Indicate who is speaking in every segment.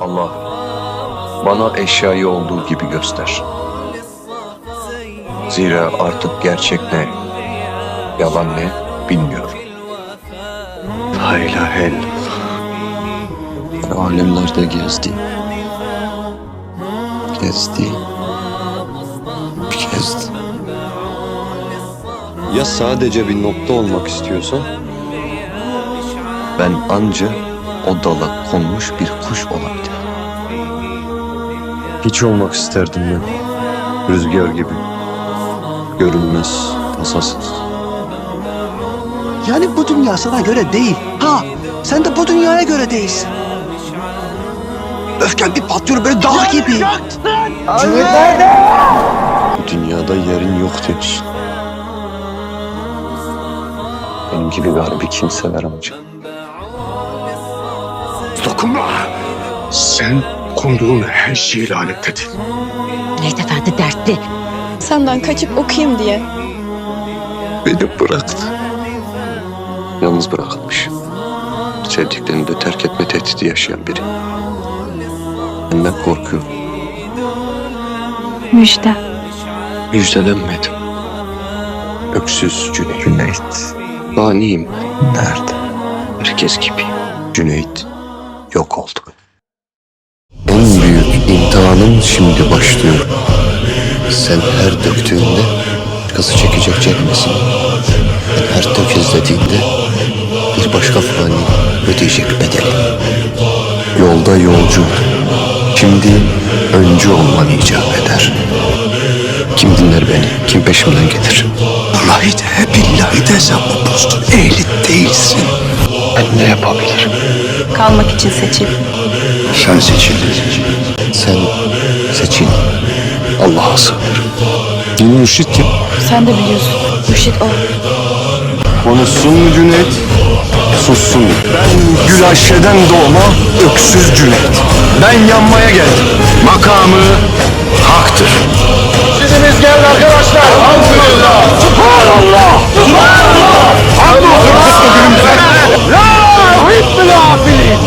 Speaker 1: Allah, bana eşyayı olduğu gibi göster. Zira artık gerçek ne, yalan ne bilmiyorum.
Speaker 2: La ilahe illallah. Alemlerde gezdi. Gezdi. Ya sadece bir nokta olmak istiyorsan? Ben anca o dala konmuş bir kuş olabilirim. Hiç olmak isterdim ben. Rüzgar gibi. Görünmez, tasasız.
Speaker 3: Yani bu dünya sana göre değil. Ha, sen de bu dünyaya göre değilsin. Öfken bir patlıyor böyle dağ gibi.
Speaker 2: Bu dünyada yerin yok demiş. Benim gibi garibi kimseler amca.
Speaker 4: Dokunma! Sen konduğun her şeyi lanetledin.
Speaker 5: Cüneyt Efendi dertli.
Speaker 6: Senden kaçıp okuyayım diye.
Speaker 2: Beni bıraktı. Yalnız bırakılmış. Sevdiklerini de terk etme tehdidi yaşayan biri. Benden korkuyorum.
Speaker 6: Müjde.
Speaker 2: Müjdelenmedim. Öksüz Cüneyt. Baniyim ben. Nerede? Herkes gibi. Cüneyt yok oldu. En büyük imtihanın şimdi başlıyor. Sen her döktüğünde başkası çekecek çekmesin. Ben her tökezlediğinde bir başka fani ödeyecek bedeli. Yolda yolcu. Şimdi öncü olman icap eder. Kim dinler beni? Kim peşimden gelir?
Speaker 3: Vallahi de billahi de sen bu postun ehli değilsin.
Speaker 2: Ben ne yapabilirim?
Speaker 6: Kalmak için seçil.
Speaker 2: Sen seçildin. Sen seçil. Allah'a sığınırım. Mürşit kim?
Speaker 6: Sen de biliyorsun. Mürşit o.
Speaker 2: Konuşsun mu Cüneyt? Sussun mu? Ben Gülaşşe'den doğma öksüz Cüneyt. Ben yanmaya geldim. Makamı haktır. Siziniz gelin arkadaşlar. Elhamdülillah. Subhanallah. Subhanallah. Hamdolsun. La hibbül afilin.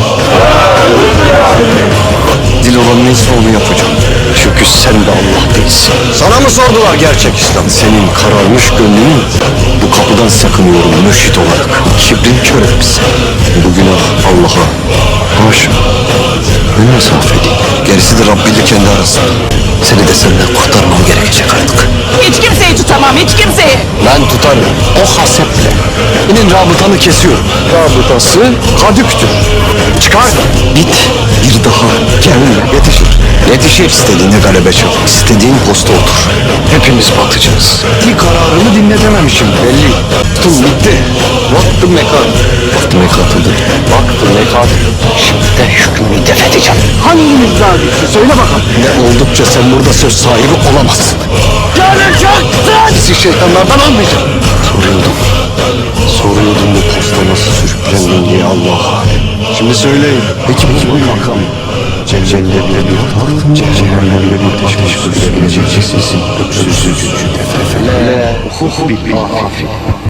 Speaker 2: Dil olan neyse onu yapacağım. Çünkü sen de Allah değilsin. Sana mı sordular gerçek İslam? Senin kararmış gönlünün bu kapıdan sakınıyorum mürşit olarak. Kibrin kör etmişsin. Bu günah Allah'a haşa. Ben mesafe değil. Gerisi de Rabbi ile kendi arasında. Seni de senden kurtarmam gerekecek artık.
Speaker 7: Hiç kimseyi tutamam, hiç kimseyi.
Speaker 2: Ben tutarım. O haseple. Senin rabıtanı kesiyorum. Rabıtası kadüktür. Çıkar. Git. Bir daha gelme. Yetişir. Yetişir. İstediğine galebe çal. İstediğin posta otur. Hepimiz batacağız. Bir kararını dinletememişim belli. Vaktim bitti. Vakti mekat. Vakti mekatıdır. Vakti mekat. Şimdi de hükmünü def edeceğim. Hangimiz zalisi? Söyle bakalım. Ne oldukça sen burada söz sahibi olamazsın. Yanacaksın! Bizi şeytanlardan almayacağım. Soruyordum bu posta nasıl sürüklendin diye Allah'a. Şimdi söyleyin. Peki bu makam Celle'yle bir Cehennem'le bir teşvik sürebilecek sesin öksüzsüz tefefele hukuk bil afi